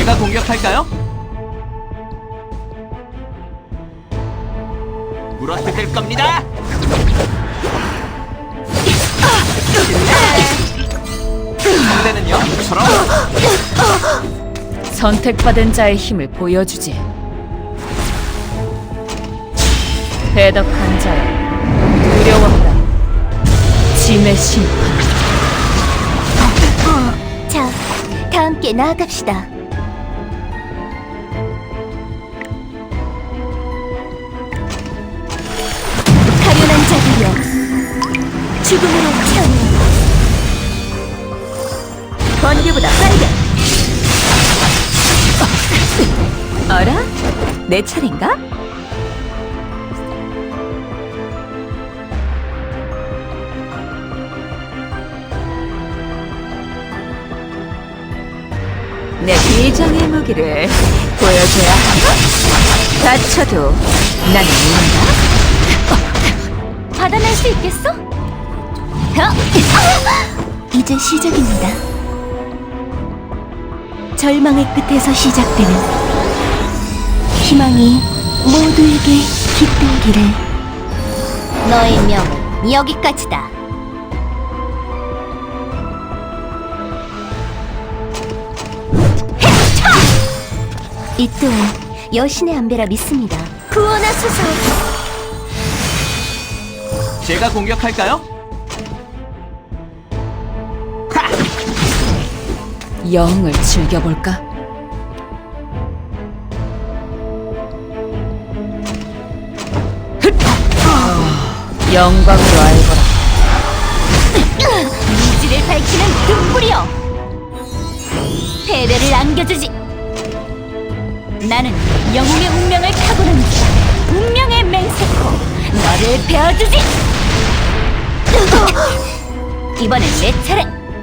제가 공격할까요? 물어뜯을 겁니다. 상대는요? 저런. 선택받은 자의 힘을 보여주지. 배덕한 자여, 두려워하라. 짐의 심판. 자, 다 함께 나아갑시다. 가련한 자들이여, 죽음으로 태어나 번개보다 빠르게. 어라? 내 차례인가? 내 비장의 무기를 보여줘야 하나? 다쳐도 나는 모른다. 받아낼 수 있겠어? 이제 시작입니다. 절망의 끝에서 시작되는 희망이 모두에게 깃들기를. 너의 명은 여기까지다. 이 또한 여신의 안배라 믿습니다. 구원하소서. 제가 공격할까요? 영을 즐겨볼까? 영광으로 알거라. 이지를 밝히는 등불이여, 패배를 안겨주지. 나는 영웅의 운명을 타고난 자, 운명의 맹세코, 너를 베어주지. 이번엔 내 차례.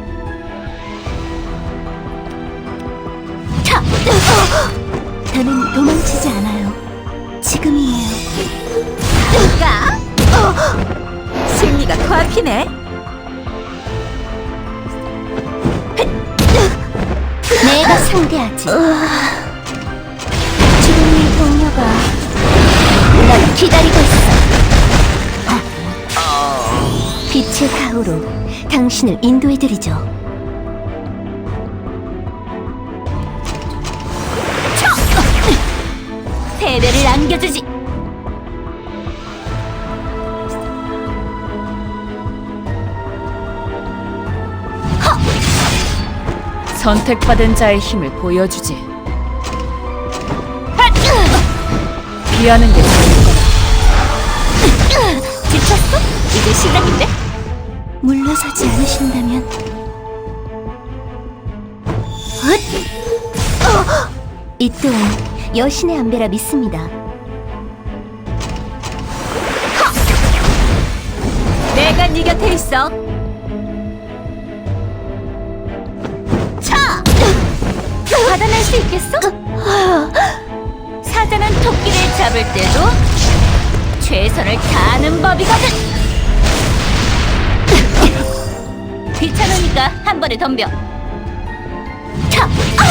차! 더는 도망치지 않아요. 지금이에요. 누가? 승리가 코앞이네. 내가 상대하지. 죽음의 동료가 널 기다리고 있어. 빛의 가호로 당신을 인도해드리죠. 패배를 안겨주지. 선택받은 자의 힘을 보여주지. 피하는 게 좋을 거야. 지쳤어? 이제 시작인데? 물러서지 않으신다면 이 또한 여신의 안배라 믿습니다. 내가 네 곁에 있어. 차! 받아낼 수 있겠어? 사자는 토끼를 잡을 때도 최선을 다하는 법이거든. 귀찮으니까 한 번에 덤벼. 차!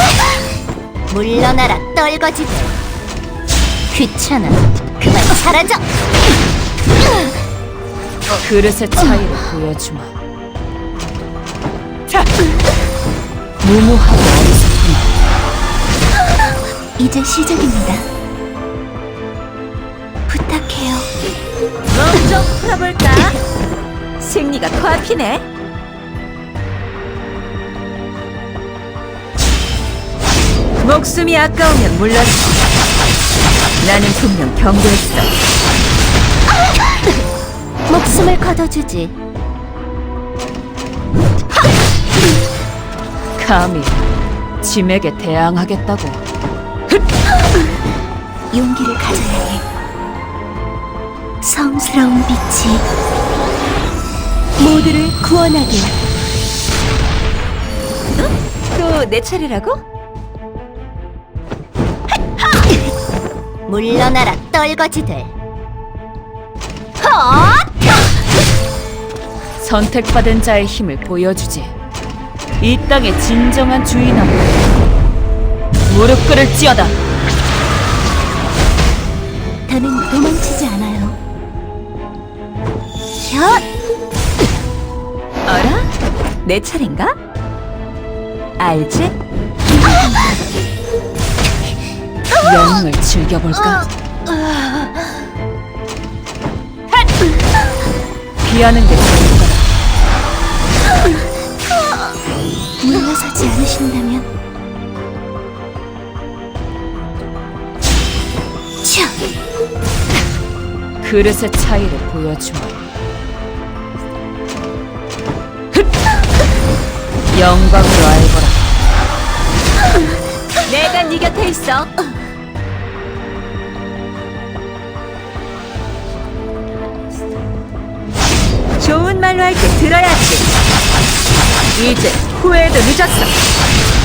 물러나라, 떨거지들. 귀찮아, 그만 사라져. 그릇의 차이를 보여주마. 자, 무모하고 어리석구나. 이제 시작입니다. 부탁해요. 몸 좀 풀어볼까? 승리가 코앞이네. 목숨이 아까우면 물러서. 나는 분명 경고했어. 목숨을 거둬주지. 감히 짐에게 대항하겠다고. 용기를 가져야 해. 성스러운 빛이 모두를 구원하길. 또 내 차례라고? 물러나라, 떨거지들. 선택받은 자의 힘을 보여주지. 이 땅의 진정한 주인은 무릎 꿇을지어다. 더는 도망치지 않아요. 샷! 어라? 내 차례인가? 알지? 영웅을 즐겨볼까? 피하는 게 좋을 거다. 물러서지 않으신다면 차! 그릇의 차이를 보여주마. 영광으로 알거라. 내가 네 곁에 있어. 좋은 말로 할 때 들어야지. 이제 후회도 늦었어.